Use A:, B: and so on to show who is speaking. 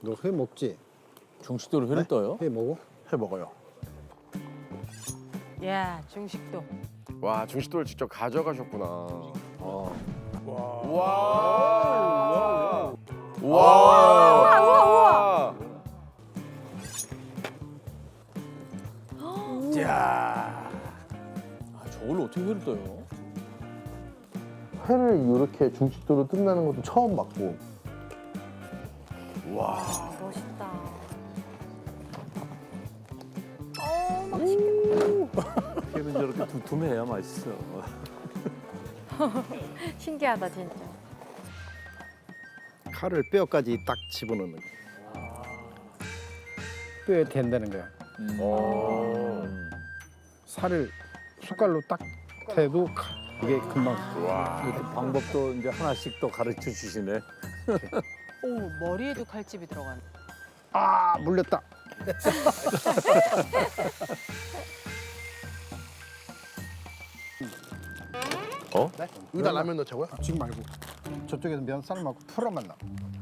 A: 너 회 먹지?
B: 중식도로 회를 떠요?
A: 회 먹어?
C: 해 먹어요.
D: 야, 중식도.
E: 와 중식도를 직접 가져가셨구나.
C: 와.
E: 와.
C: 야.
B: 아, 저걸로 어떻게 회를 떠요?
C: 회를 이렇게 중식도로 뜬다는 것도 처음 봤고.
D: 멋있다.
B: 회는 저렇게 두툼해야 맛있어.
D: 신기하다, 진짜.
A: 칼을 뼈까지 딱 집어넣는 거. 뼈에 댄다는 거야. 살을 숟갈로 딱 대도 이게 금방.
B: 이렇게 방법도 이제 하나씩 또 가르쳐 주시네.
D: 오, 머리에도 칼집이 들어가네.
A: 아 물렸다.
C: 여기다 라면 넣자고요?
A: 지금 말고 저쪽에서 면 삶아고 풀어만 나.